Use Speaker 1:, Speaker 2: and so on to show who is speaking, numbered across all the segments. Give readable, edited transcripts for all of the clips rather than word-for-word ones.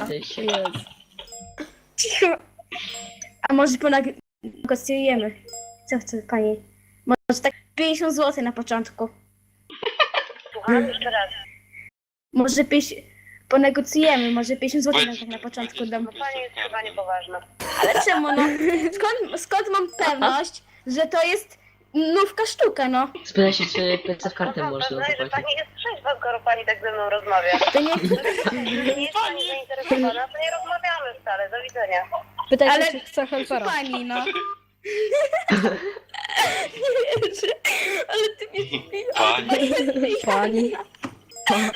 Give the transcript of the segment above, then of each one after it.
Speaker 1: jesteś.
Speaker 2: Jest.
Speaker 3: Cicho. A może ponegocjujemy? Co chce pani? Może tak 50 zł na początku.
Speaker 4: Słucham jeszcze raz.
Speaker 3: Może ponegocjujemy, może 50 zł
Speaker 5: Wejdź,
Speaker 3: na początku
Speaker 5: wejdź.
Speaker 3: dam.
Speaker 4: Pani jest chyba niepoważna.
Speaker 3: Ale czemu no? Skąd mam pewność, że to jest nówka sztuka, no?
Speaker 1: Spytaj się, czy PC w kartę
Speaker 4: Mam
Speaker 1: można
Speaker 4: pewność, że
Speaker 1: zapłacić.
Speaker 4: pani jest trzeźwa, skoro pani tak ze mną rozmawia.
Speaker 3: To nie...
Speaker 4: Jeżeli nie jest pani zainteresowana, to nie rozmawiamy wcale. Do widzenia.
Speaker 2: Pytaj się,
Speaker 3: Ale-
Speaker 2: czy chce helpera.
Speaker 3: Pani, no. Nie wierzę, ale ty mnie
Speaker 5: Pani,
Speaker 2: Pani.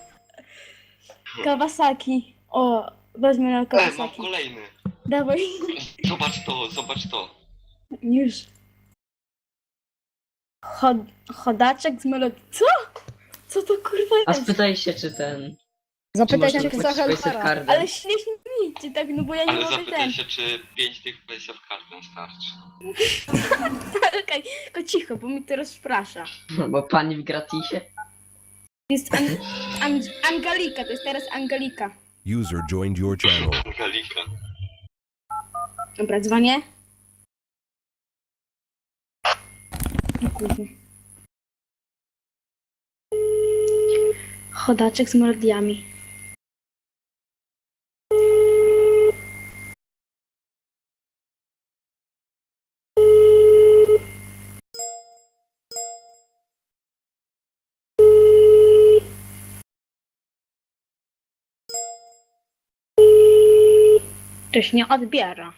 Speaker 3: Kawasaki. O, weźmy na
Speaker 5: mam
Speaker 3: Kawasaki.
Speaker 5: kolejny.
Speaker 3: Dawaj.
Speaker 5: Zobacz to.
Speaker 3: Już. Chodaczek z melodii. Co? Co to kurwa
Speaker 1: A
Speaker 3: jest?
Speaker 1: spytaj się, czy ten... Czy
Speaker 2: Zapytaj
Speaker 1: można
Speaker 2: się, czy chce
Speaker 1: zapłacić PC w
Speaker 2: helpera.
Speaker 1: kartę.
Speaker 3: Ale śmiesznie mi, czy tak, no bo ja nie
Speaker 5: Ale
Speaker 3: mogę
Speaker 5: zapytaj
Speaker 3: ten.
Speaker 5: się, czy 5 tych PlayStation kartę starczy.
Speaker 3: Okej, tylko cicho, bo mi to rozprasza.
Speaker 1: Bo pani w gratisie.
Speaker 3: Jest Angelika, to jest teraz Angelika.
Speaker 6: User joined your channel.
Speaker 5: Galika.
Speaker 3: Dobra, dzwonię. O kurde. Chodaczek z melodiami. Ktoś nie odbiera.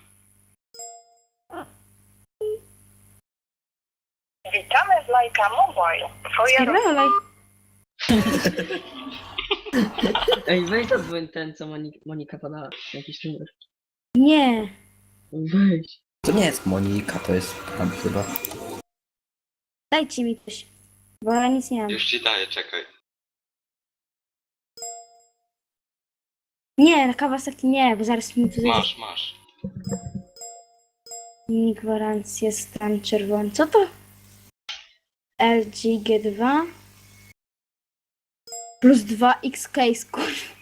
Speaker 4: Witamy z Lajka Mobile. Twoja
Speaker 3: Spierdalaj.
Speaker 1: Ej, weź to ten, co Monika podała. Jakiś numer.
Speaker 3: Nie.
Speaker 1: Weź.
Speaker 7: To nie jest Monika, to jest tam chyba.
Speaker 3: Dajcie mi coś. Bo ja nic nie mam.
Speaker 5: Już ci daję, czekaj.
Speaker 3: Nie, na Kawasaki nie, bo zaraz mi tu
Speaker 5: Masz.
Speaker 3: gwarancję stan czerwony. Co to? LG G2 plus 2 X case, kurwa.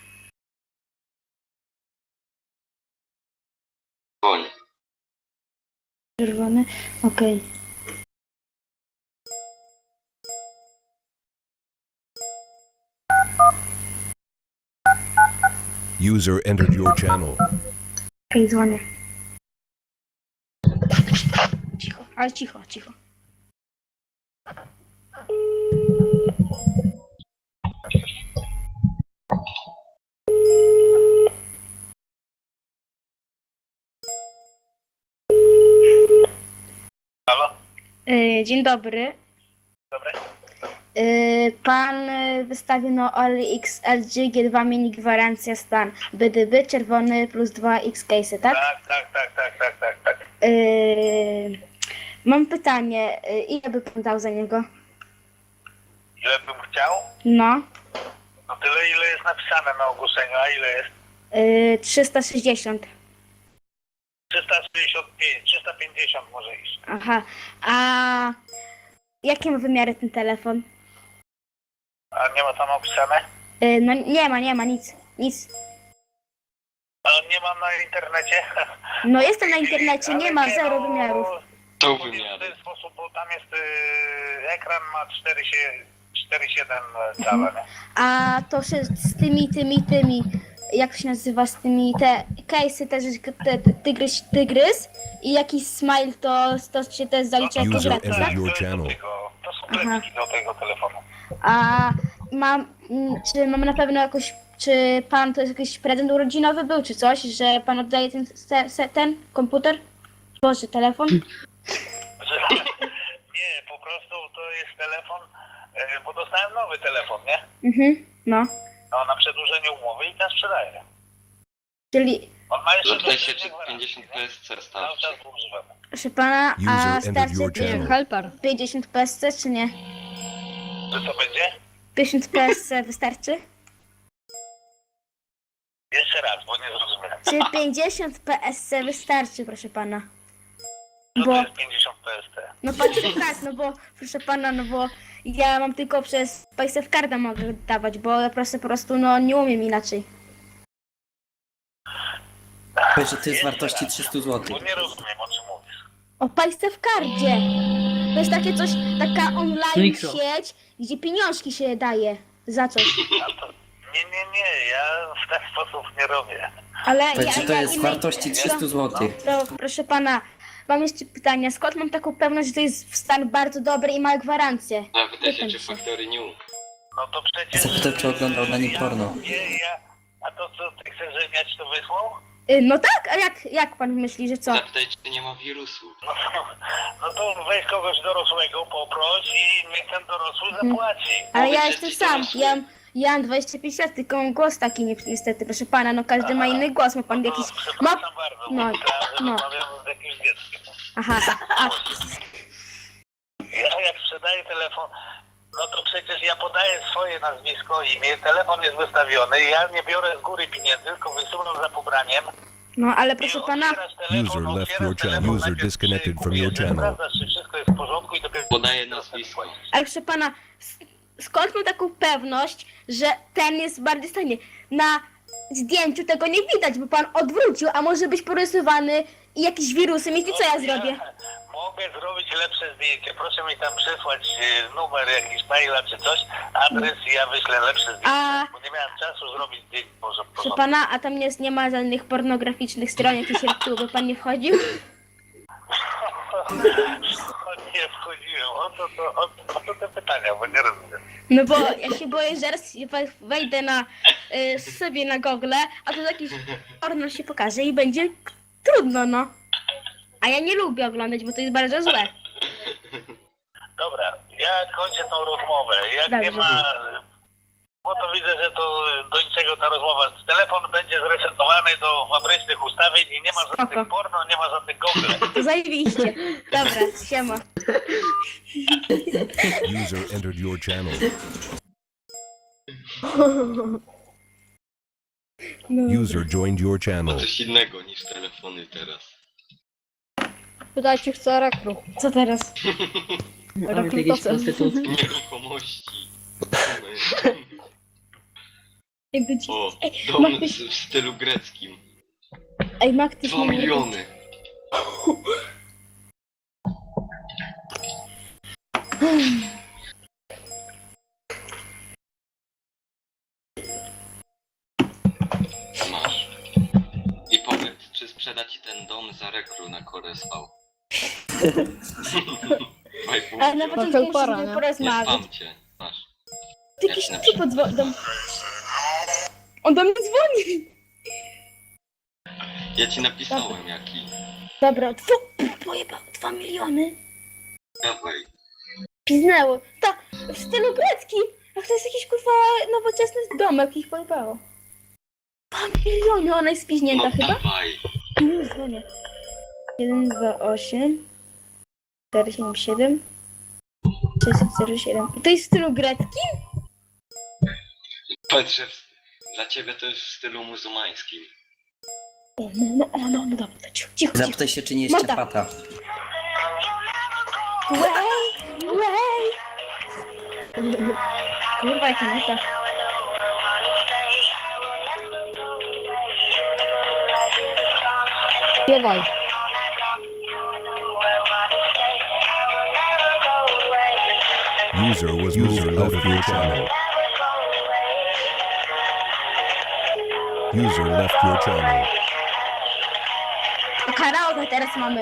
Speaker 5: Dzwoń.
Speaker 3: Czerwony, okej.
Speaker 6: User entered your channel.
Speaker 3: Okej, dzwonię. Cicho, ale cicho, cicho.
Speaker 4: Halo?
Speaker 3: Dzień dobry.
Speaker 4: Dobry.
Speaker 3: Pan wystawił na OLX LG G2 mini gwarancja stan BDB czerwony plus 2 X case, tak?
Speaker 4: Tak.
Speaker 3: Mam pytanie, ile by pan dał za niego?
Speaker 4: Ile bym chciał?
Speaker 3: No,
Speaker 4: No tyle, ile jest napisane na ogłoszeniu. A ile jest?
Speaker 3: 360.
Speaker 4: 365, 350 może iść.
Speaker 3: Aha, a jakie ma wymiary ten telefon?
Speaker 4: A nie ma tam opisane?
Speaker 3: No nie ma, nic.
Speaker 4: A nie mam na internecie?
Speaker 3: No jestem na internecie, nie ma, zero wymiarów.
Speaker 5: To
Speaker 4: W
Speaker 5: wymiary.
Speaker 4: ten sposób, bo tam jest ekran ma 4,7 cala, nie?
Speaker 3: A to się z tymi, jak to się nazywa, z tymi, te case'y też, tygrys i jakiś smile, to się też zalicza jako
Speaker 6: User
Speaker 3: gratis, tak?
Speaker 6: entered your
Speaker 4: To jest do
Speaker 6: channel.
Speaker 4: tego, to są
Speaker 3: Aha.
Speaker 4: klepki do tego telefonu.
Speaker 3: A czy mam na pewno jakoś, czy pan to jest jakiś prezent urodzinowy był, czy coś, że pan oddaje ten komputer? Boże, telefon?
Speaker 4: Nie, po prostu to jest telefon, bo dostałem nowy telefon, nie?
Speaker 3: No.
Speaker 4: No, na przedłużenie umowy i ten sprzedaję.
Speaker 3: Czyli,
Speaker 4: On ma jeszcze
Speaker 5: Zapytaj się,
Speaker 4: do
Speaker 5: czy
Speaker 4: gwarancji,
Speaker 5: 50
Speaker 4: nie?
Speaker 5: PSC
Speaker 4: Cały
Speaker 5: starczy.
Speaker 4: czas go używamy.
Speaker 3: proszę pana, a
Speaker 6: User entered
Speaker 3: starczy
Speaker 6: your channel.
Speaker 2: Helper.
Speaker 3: 50 PSC, czy nie?
Speaker 4: Czy to będzie?
Speaker 3: 50 PSC wystarczy?
Speaker 4: Jeszcze raz, bo nie zrozumiałem.
Speaker 3: Czy 50 PSC wystarczy, proszę pana?
Speaker 4: Co
Speaker 3: Bo,
Speaker 4: to jest 50 PST?
Speaker 3: no patrzę tak, no bo, proszę pana, no bo ja mam tylko przez PaySafe Carda mogę dawać, bo ja po prostu, no nie umiem inaczej.
Speaker 7: Powiedz, że to jest wartości 300 zł.
Speaker 4: Bo nie rozumiem, o czym mówisz.
Speaker 3: O Państce w kardzie. To jest takie coś, taka online
Speaker 1: Mikro.
Speaker 3: sieć, gdzie pieniążki się daje za coś.
Speaker 4: A to... Nie, ja w ten sposób nie robię.
Speaker 3: Ale
Speaker 7: Powiedz, że to jest wartości 300 zł.
Speaker 3: Proszę pana, mam jeszcze pytanie. Skąd mam taką pewność, że to jest w stan bardzo dobry i ma gwarancję?
Speaker 5: Zapytaj się,
Speaker 3: Pytam
Speaker 5: czy
Speaker 3: się.
Speaker 5: Factory New.
Speaker 4: No to przecież...
Speaker 7: Zapytał, czy oglądał na nim porno.
Speaker 4: A to co, ty chcesz, żebym ja ci to wysłał?
Speaker 3: No tak, a jak pan myśli, że co?
Speaker 5: Zapytaj, czy nie ma wirusu.
Speaker 4: No to weź kogoś dorosłego, poproś i niech ten dorosły zapłaci.
Speaker 3: Ale
Speaker 5: Powiedz,
Speaker 3: ja
Speaker 5: że
Speaker 3: jestem
Speaker 5: jesteś
Speaker 3: sam,
Speaker 5: dorosły.
Speaker 3: ja mam 25 lat, tylko mam głos taki niestety, proszę pana, no każdy ma inny głos, ma pan jakiś... Ma...
Speaker 4: Przepraszam bardzo,
Speaker 3: no,
Speaker 4: bo myślałem, że
Speaker 3: no.
Speaker 4: rozmawiamy z jakimś dzieckiem.
Speaker 3: Aha, a,
Speaker 4: Ja jak sprzedaję telefon, no to przecież ja podaję swoje nazwisko, imię, telefon jest wystawiony, ja nie biorę z góry pieniędzy, tylko wysyłam za pobraniem.
Speaker 3: no ale
Speaker 4: I
Speaker 3: proszę pana,
Speaker 4: otwierasz telefon,
Speaker 6: User left
Speaker 4: otwierasz
Speaker 6: your channel.
Speaker 4: telefon,
Speaker 6: User
Speaker 4: najpierw
Speaker 6: disconnected from your
Speaker 4: kupujesz,
Speaker 6: channel.
Speaker 4: sprawdzasz, czy wszystko jest w porządku i dopiero...
Speaker 5: Podaję nazwisko.
Speaker 3: ale proszę pana, skąd mam taką pewność, że ten jest bardziej stanie? Na zdjęciu tego nie widać, bo pan odwrócił, a może być porysowany i jakieś wirusy mieć i co ja zrobię?
Speaker 4: Mogę zrobić lepsze zdjęcie. Proszę mi tam przysłać numer jakiś maila czy coś, adres i ja wyślę lepsze zdjęcie.
Speaker 3: A-
Speaker 4: Bo nie miałem czasu zrobić zdjęć może
Speaker 3: Proszę pana, a tam nie ma żadnych pornograficznych stron, jakieś retuły, by pan nie wchodził?
Speaker 4: Nie wchodziłem. O to te pytania, bo nie rozumiem.
Speaker 3: No bo ja się boję, że raz wejdę na sobie na Google, a to jakiś porno się pokaże i będzie trudno, no. A ja nie lubię oglądać, bo to jest bardzo złe.
Speaker 4: Dobra, ja kończę tą rozmowę. Jak nie
Speaker 3: Dobrze.
Speaker 4: ma... Bo to widzę, że to do niczego ta rozmowa. Telefon będzie zresetowany do fabrycznych ustawień i nie ma
Speaker 3: Spoko.
Speaker 4: żadnych porno, nie ma żadnych Google.
Speaker 3: To zajebiście. Dobra, siema.
Speaker 6: User entered your channel. User joined your
Speaker 5: To
Speaker 6: channel.
Speaker 5: coś innego niż telefony teraz.
Speaker 2: Pytajcie, chce rekru.
Speaker 3: Co teraz?
Speaker 1: Mamy jakieś prostytutki.
Speaker 5: Nieruchomości.
Speaker 3: Ej, będzie...
Speaker 5: O,
Speaker 3: Ej,
Speaker 5: dom
Speaker 3: ma ktoś...
Speaker 5: w stylu greckim.
Speaker 3: Ej, ma ktoś...
Speaker 5: 2 miliony. Masz. I powiedz, czy sprzeda ci ten dom za rekru na Koresał.
Speaker 3: Ale na początku
Speaker 2: Trochę para,
Speaker 3: musimy
Speaker 2: nie?
Speaker 5: Nie
Speaker 3: porozmawiać.
Speaker 5: spam cię. Masz.
Speaker 3: Ty jakiś typ dzwoni. On do mnie dzwoni.
Speaker 5: Ja ci napisałem jaki.
Speaker 3: Dobra, pojebał 2 miliony.
Speaker 5: Dawaj.
Speaker 3: Piznęło. To w stylu greckim. Jak to jest jakiś kurwa nowoczesny domek, ich pojebało. 2 miliony, ona jest spiźnięta
Speaker 5: No
Speaker 3: chyba?
Speaker 5: dawaj.
Speaker 3: Już dzwonię. 128 477 607. I to jest w stylu greckim?
Speaker 5: Patrzę, dla ciebie to jest w stylu muzułmańskim.
Speaker 3: No, dobra, to cicho.
Speaker 7: Zapytaj się, czy nie jest
Speaker 3: Morda.
Speaker 7: ciapata.
Speaker 3: Way. Kurwa, jaka nuta.
Speaker 2: Śpiewaj.
Speaker 6: User was moved out of your channel. User left your channel.
Speaker 3: Karaoke teraz mamy.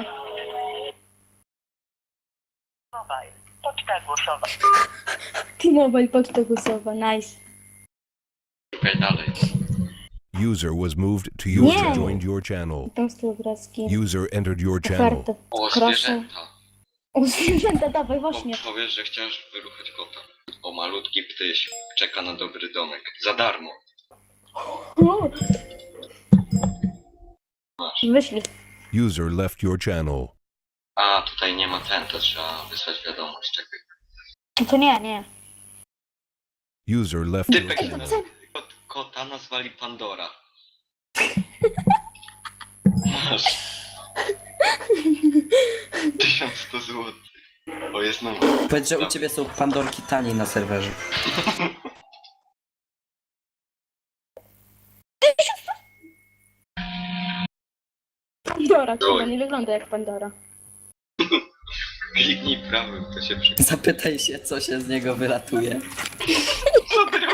Speaker 4: Poczta głosowa.
Speaker 3: T-Mobile, poczta głosowa, nice.
Speaker 5: Szukaj dalej.
Speaker 6: User was moved to user
Speaker 3: Nie.
Speaker 6: joined your channel.
Speaker 3: Tam styl grecki.
Speaker 6: User entered your channel.
Speaker 3: Ofertę.
Speaker 5: O,
Speaker 3: Proszę.
Speaker 5: zwierzęta.
Speaker 3: O, zwierzęta, dawaj, właśnie.
Speaker 5: Powiesz, że chciałeś wyruchać kota. O, malutki ptyś. Czeka na dobry domek. Za darmo.
Speaker 3: O,
Speaker 5: Masz.
Speaker 3: wyślij.
Speaker 6: User left your channel.
Speaker 5: A, tutaj nie ma ten, to trzeba wysłać wiadomość. Czekaj.
Speaker 3: No to nie.
Speaker 6: User left your
Speaker 5: Typek
Speaker 6: channel.
Speaker 5: kota nazwali Pandora. Masz. 1100 zł. O, jest numer.
Speaker 7: Powiedz, że u ciebie są pandorki taniej na serwerze.
Speaker 3: Pandora,
Speaker 5: Oj.
Speaker 3: chyba nie wygląda jak Pandora.
Speaker 5: Kliknij prawym, to się przekonuje.
Speaker 7: Zapytaj się, co się z niego wylatuje.
Speaker 5: Co robi?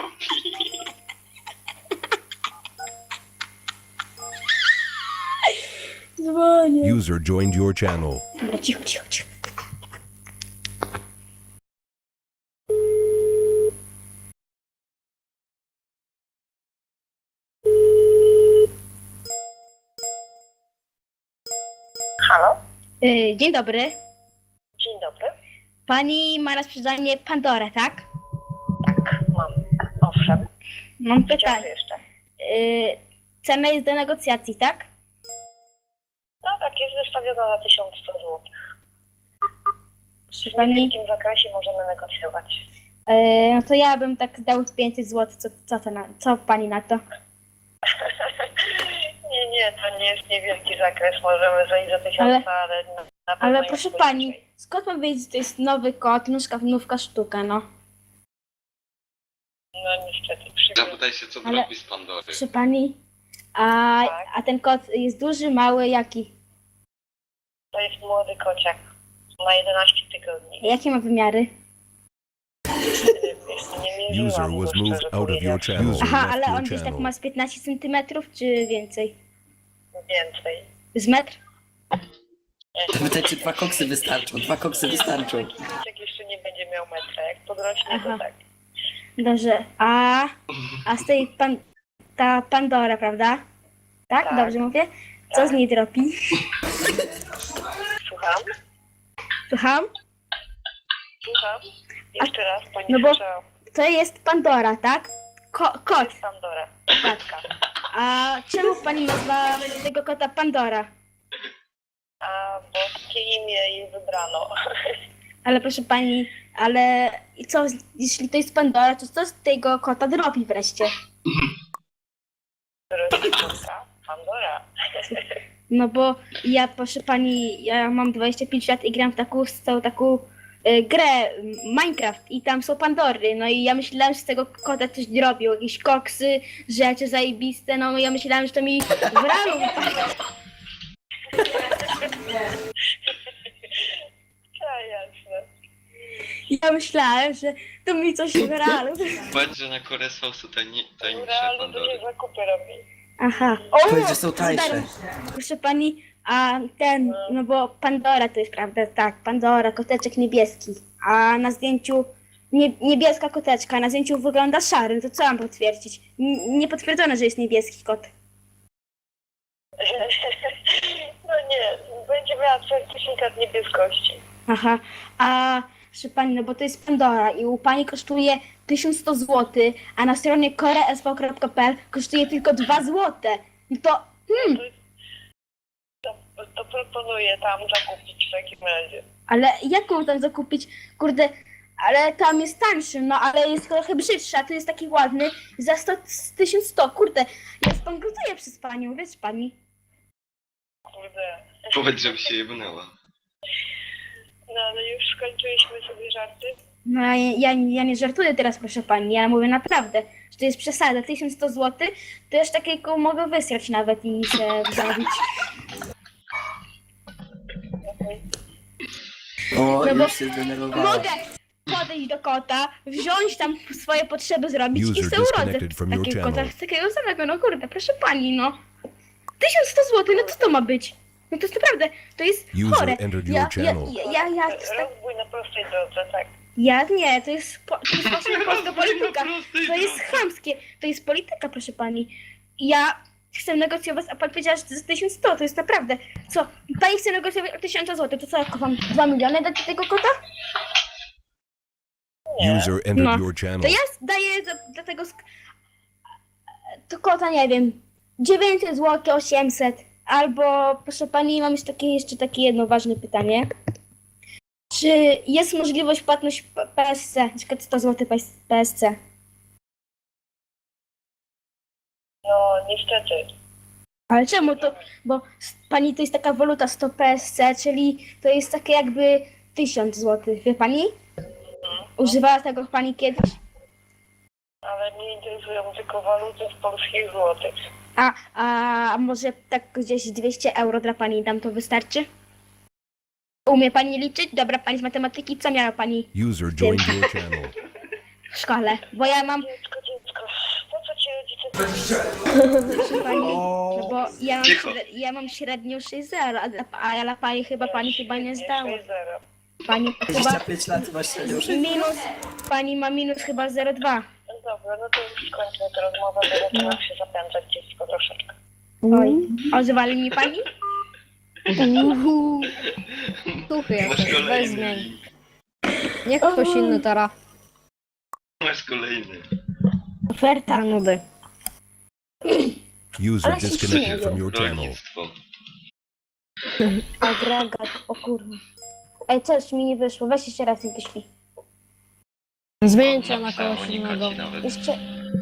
Speaker 3: Dzwonię.
Speaker 6: User joined your channel.
Speaker 3: Dobra, cicho, cicho, cicho.
Speaker 8: Halo?
Speaker 3: Dzień dobry.
Speaker 8: Dzień dobry.
Speaker 3: Pani ma na sprzedanie Pandorę, tak?
Speaker 8: Mam. Owszem.
Speaker 3: Mam
Speaker 8: Chciałam
Speaker 3: pytanie.
Speaker 8: jeszcze.
Speaker 3: Cena jest do negocjacji, tak?
Speaker 8: No tak, jest wystawiona za 1100 zł.
Speaker 3: Proszę
Speaker 8: W
Speaker 3: pani,
Speaker 8: niewielkim zakresie możemy negocjować.
Speaker 3: no to ja bym tak dał 500 zł. Co pani na to?
Speaker 8: Nie, to nie jest niewielki zakres. Możemy zejść za 1000, ale na pewno
Speaker 3: Ale
Speaker 8: jest
Speaker 3: proszę
Speaker 8: poniżej.
Speaker 3: pani, skąd mam wiedzieć, że to jest nowy kot, nówka sztuka, no?
Speaker 8: No niestety,
Speaker 5: Zapytaj się, co
Speaker 3: Ale-
Speaker 5: robi z Pandory.
Speaker 3: Proszę pani,
Speaker 8: Tak.
Speaker 3: a ten kot jest duży, mały, jaki?
Speaker 8: To jest młody kociak. Ma 11 tygodni.
Speaker 3: Jakie ma wymiary?
Speaker 8: Wiesz, nie mierzyłam
Speaker 6: User
Speaker 8: go,
Speaker 6: was moved
Speaker 8: szczerze
Speaker 6: out of your
Speaker 8: powiedziawszy.
Speaker 6: channel. User
Speaker 3: Aha,
Speaker 6: left
Speaker 3: ale
Speaker 6: your
Speaker 3: on gdzieś tak
Speaker 6: channel.
Speaker 3: ma z 15 centymetrów, czy więcej?
Speaker 8: Więcej.
Speaker 3: Z metr?
Speaker 7: Zapytaj, czy 2 koksy wystarczą. 2 koksy wystarczą.
Speaker 8: Kociak jeszcze nie będzie miał metra. Jak podrośnie,
Speaker 3: Aha.
Speaker 8: to tak.
Speaker 3: Dobrze, a z tej ta Pandora, prawda? Tak?
Speaker 8: Tak.
Speaker 3: Dobrze mówię? Co z niej dropi?
Speaker 8: Słucham?
Speaker 3: Słucham?
Speaker 8: Słucham? Jeszcze raz, pani
Speaker 3: no bo-
Speaker 8: słyszała.
Speaker 3: To jest Pandora, tak? Kot,
Speaker 8: Pandora.
Speaker 3: tak. A czemu pani nazywa tego kota Pandora?
Speaker 8: A boskie imię jej wybrano.
Speaker 3: Ale proszę pani, ale i co, jeśli to jest Pandora, to co z tego kota dropi wreszcie?
Speaker 8: Rodziczka Pandora.
Speaker 3: No bo ja, proszę pani, ja mam 25 lat i gram w taką grę Minecraft i tam są Pandory, no i ja myślałam, że z tego kota coś drobią, jakieś koksy, rzeczy zajebiste, no ja myślałam, że to mi w realu
Speaker 8: Ja, jasne.
Speaker 3: ja myślałem, że to mi coś w realu.
Speaker 5: Powiedz, że na Koresfał są
Speaker 8: W
Speaker 5: tajemnicze
Speaker 8: realu
Speaker 5: Pandory.
Speaker 8: duże zakupy robi.
Speaker 3: Aha.
Speaker 7: Powiedz, że są tańsze.
Speaker 3: Proszę pani, a ten, no bo Pandora to jest prawda, tak, Pandora, koteczek niebieski, a na zdjęciu niebieska koteczka, a na zdjęciu wygląda szary, to co mam potwierdzić? Nie potwierdzono, że jest niebieski kot.
Speaker 8: No nie, będzie miała certyfikat niebieskości.
Speaker 3: Aha, a proszę pani, no bo to jest Pandora i u pani kosztuje 1100 zł, a na stronie koresv.pl kosztuje tylko 2 zł. No to,
Speaker 8: To proponuję tam zakupić w takim razie.
Speaker 3: ale jak mam tam zakupić? Kurde, ale tam jest tańszy, no ale jest trochę brzydszy, a to jest taki ładny za 1100, kurde. Ja zbankrutuję przez panią, wiesz pani.
Speaker 8: Kurde.
Speaker 5: Powiedz, żeby się jebnęła.
Speaker 8: No ale już skończyliśmy sobie żarty.
Speaker 3: No ja nie żartuję teraz, proszę pani, ja mówię naprawdę, że to jest przesada, 1100 zł, to już takiego mogę wysrać nawet i się zrobić.
Speaker 7: O,
Speaker 3: No bo
Speaker 7: już się zdenerwowała.
Speaker 3: Mogę podejść do kota, wziąć tam swoje potrzeby zrobić i
Speaker 6: User
Speaker 3: sobie urodzę
Speaker 6: disconnected from your
Speaker 3: takiego kota,
Speaker 6: channel.
Speaker 3: takiego samego, no kurde, proszę pani, no. 1100 zł, no co to ma być? No to jest naprawdę, to jest
Speaker 6: User
Speaker 3: chore.
Speaker 6: entered
Speaker 3: Ja,
Speaker 6: your
Speaker 3: ja,
Speaker 6: channel.
Speaker 3: ja,
Speaker 8: Rozbój na prostej drodze, tak.
Speaker 3: nie, to jest właśnie polska polityka, to jest chamskie, to jest polityka, proszę pani. Ja chcę negocjować, a pan powiedziała, że to jest 1100, to jest naprawdę, co, pani chce negocjować o 1000 zł, to co, jak wam 2 miliony dać tego kota?
Speaker 6: User entered
Speaker 3: No.
Speaker 6: your
Speaker 3: To
Speaker 6: channel.
Speaker 3: ja daję dla tego to kota, nie wiem, 900 zł, 800. Albo, proszę pani, mam jeszcze takie jedno ważne pytanie. Czy jest możliwość płatność PSC, na przykład 100 zł PSC?
Speaker 8: No niestety.
Speaker 3: Ale czemu to? Bo pani to jest taka waluta 100 PSC, czyli to jest takie jakby 1000 zł, wie pani? Używała tego pani kiedyś?
Speaker 8: Ale mnie interesują tylko waluty w polskich złotych.
Speaker 3: a może tak gdzieś 200 euro dla pani dam, to wystarczy? Umie pani liczyć? Dobra, pani z matematyki, co miała pani
Speaker 6: User joined your channel.
Speaker 3: w szkole? Bo ja mam,
Speaker 8: Dziecko, po co ci rodzice...
Speaker 3: proszę pani, no bo
Speaker 5: Cicho.
Speaker 3: ja mam średnią 6,0, a dla pani chyba nie zdała.
Speaker 8: 6-0.
Speaker 3: Pani chyba
Speaker 7: 25 lat masz już.
Speaker 3: minus, pani ma minus chyba 0,2.
Speaker 8: No dobra, no to już skończmy tę rozmowę, bo zaczynam się zapędzać dziecko troszeczkę.
Speaker 3: Oj, ozwali mi pani?
Speaker 2: Tuchy
Speaker 5: Masz
Speaker 2: jakieś, weź
Speaker 5: kolejny.
Speaker 2: zmień. Niech ktoś inny teraz.
Speaker 5: Masz kolejny.
Speaker 3: Oferta.
Speaker 2: Za nudy.
Speaker 6: User disconnected from your channel.
Speaker 5: Rolnictwo.
Speaker 3: Agregat, o kurwa. Ej, coś mi nie wyszło, weź jeszcze raz i wyślij.
Speaker 2: Zmieńcie na
Speaker 5: Napisała
Speaker 2: kogoś
Speaker 5: Monika
Speaker 2: innego.
Speaker 5: ci nawet.
Speaker 3: Jeszcze,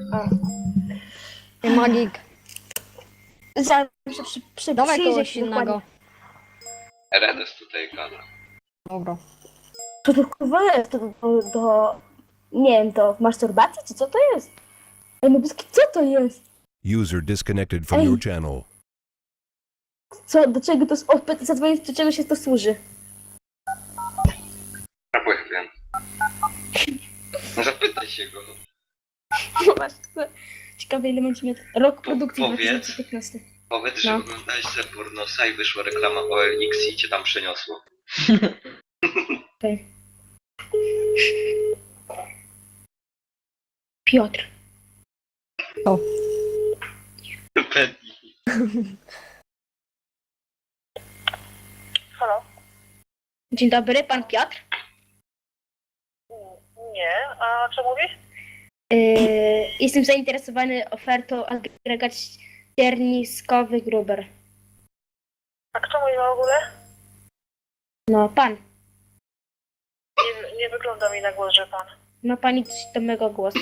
Speaker 2: Nie magik.
Speaker 3: zawsze
Speaker 2: Dawaj
Speaker 3: przyjdzie
Speaker 2: kogoś
Speaker 3: ci
Speaker 2: innego.
Speaker 3: dokładnie.
Speaker 5: Redes tutaj gada.
Speaker 2: Dobra.
Speaker 3: Co to kurwa jest? Nie wiem, do masturbacji, czy co to jest? Ej, no co to jest?
Speaker 6: User disconnected from your channel.
Speaker 3: Co, do czego to zadzwonić, do czego się to służy?
Speaker 5: A bo ja wiem. No zapytaj się go.
Speaker 3: Ciekawe ile będzie miał rok produkcji
Speaker 5: Powiedz.
Speaker 3: 2015.
Speaker 5: Powiedz, że
Speaker 3: No.
Speaker 5: oglądałeś se pornosa i wyszła reklama OLX i cię tam przeniosło.
Speaker 3: Okej. Piotr.
Speaker 5: Penny.
Speaker 8: Halo?
Speaker 3: Dzień dobry, pan Piotr.
Speaker 8: Nie, a co mówisz?
Speaker 3: Jestem zainteresowany ofertą agregat ścierniskowy Gruber.
Speaker 8: A kto mówi w ogóle?
Speaker 3: No, pan.
Speaker 8: Nie wygląda mi na głos, że pan.
Speaker 3: Ma pani coś do mego głosu?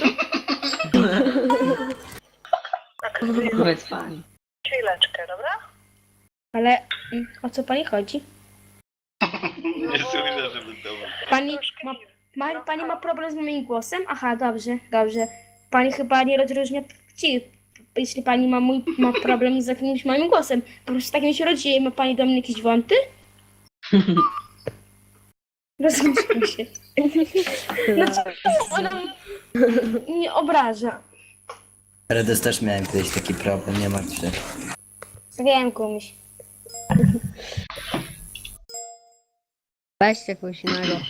Speaker 8: Tak,
Speaker 1: Powiedz pani.
Speaker 8: chwileczkę, dobra?
Speaker 3: Ale o co pani chodzi?
Speaker 5: Nie słyszę, żeby to było.
Speaker 3: Pani pani ma problem z moim głosem? Aha, dobrze, dobrze. Pani chyba nie rozróżnia płci. Jeśli pani ma problem z jakimś moim głosem. Po prostu takim się rodzi. Ma pani do mnie jakieś wąty? Rozumiem się. Dlaczego ona mnie obraża?
Speaker 7: Redes też miałem kiedyś taki problem, nie martw się.
Speaker 3: Wiem, komuś.
Speaker 2: Weźcie kogoś innego.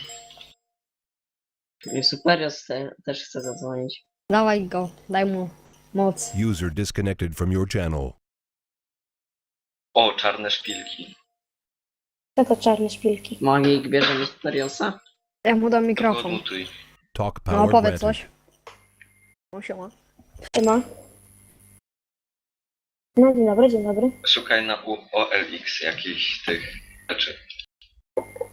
Speaker 1: I Superior też chce zadzwonić.
Speaker 2: Dawaj go, daj mu moc.
Speaker 6: User disconnected from your channel.
Speaker 5: O, czarne szpilki.
Speaker 3: Co to czarne szpilki?
Speaker 1: Magik bierze mi Superiosa?
Speaker 2: Ja mu dam
Speaker 5: Go
Speaker 2: mikrofon.
Speaker 5: odmutuj.
Speaker 6: Talk
Speaker 2: No
Speaker 6: power
Speaker 2: powiedz
Speaker 6: granted.
Speaker 2: coś. No siema.
Speaker 3: Siema. No, dzień dobry, dzień dobry.
Speaker 5: Szukaj na OLX jakichś tych rzeczy.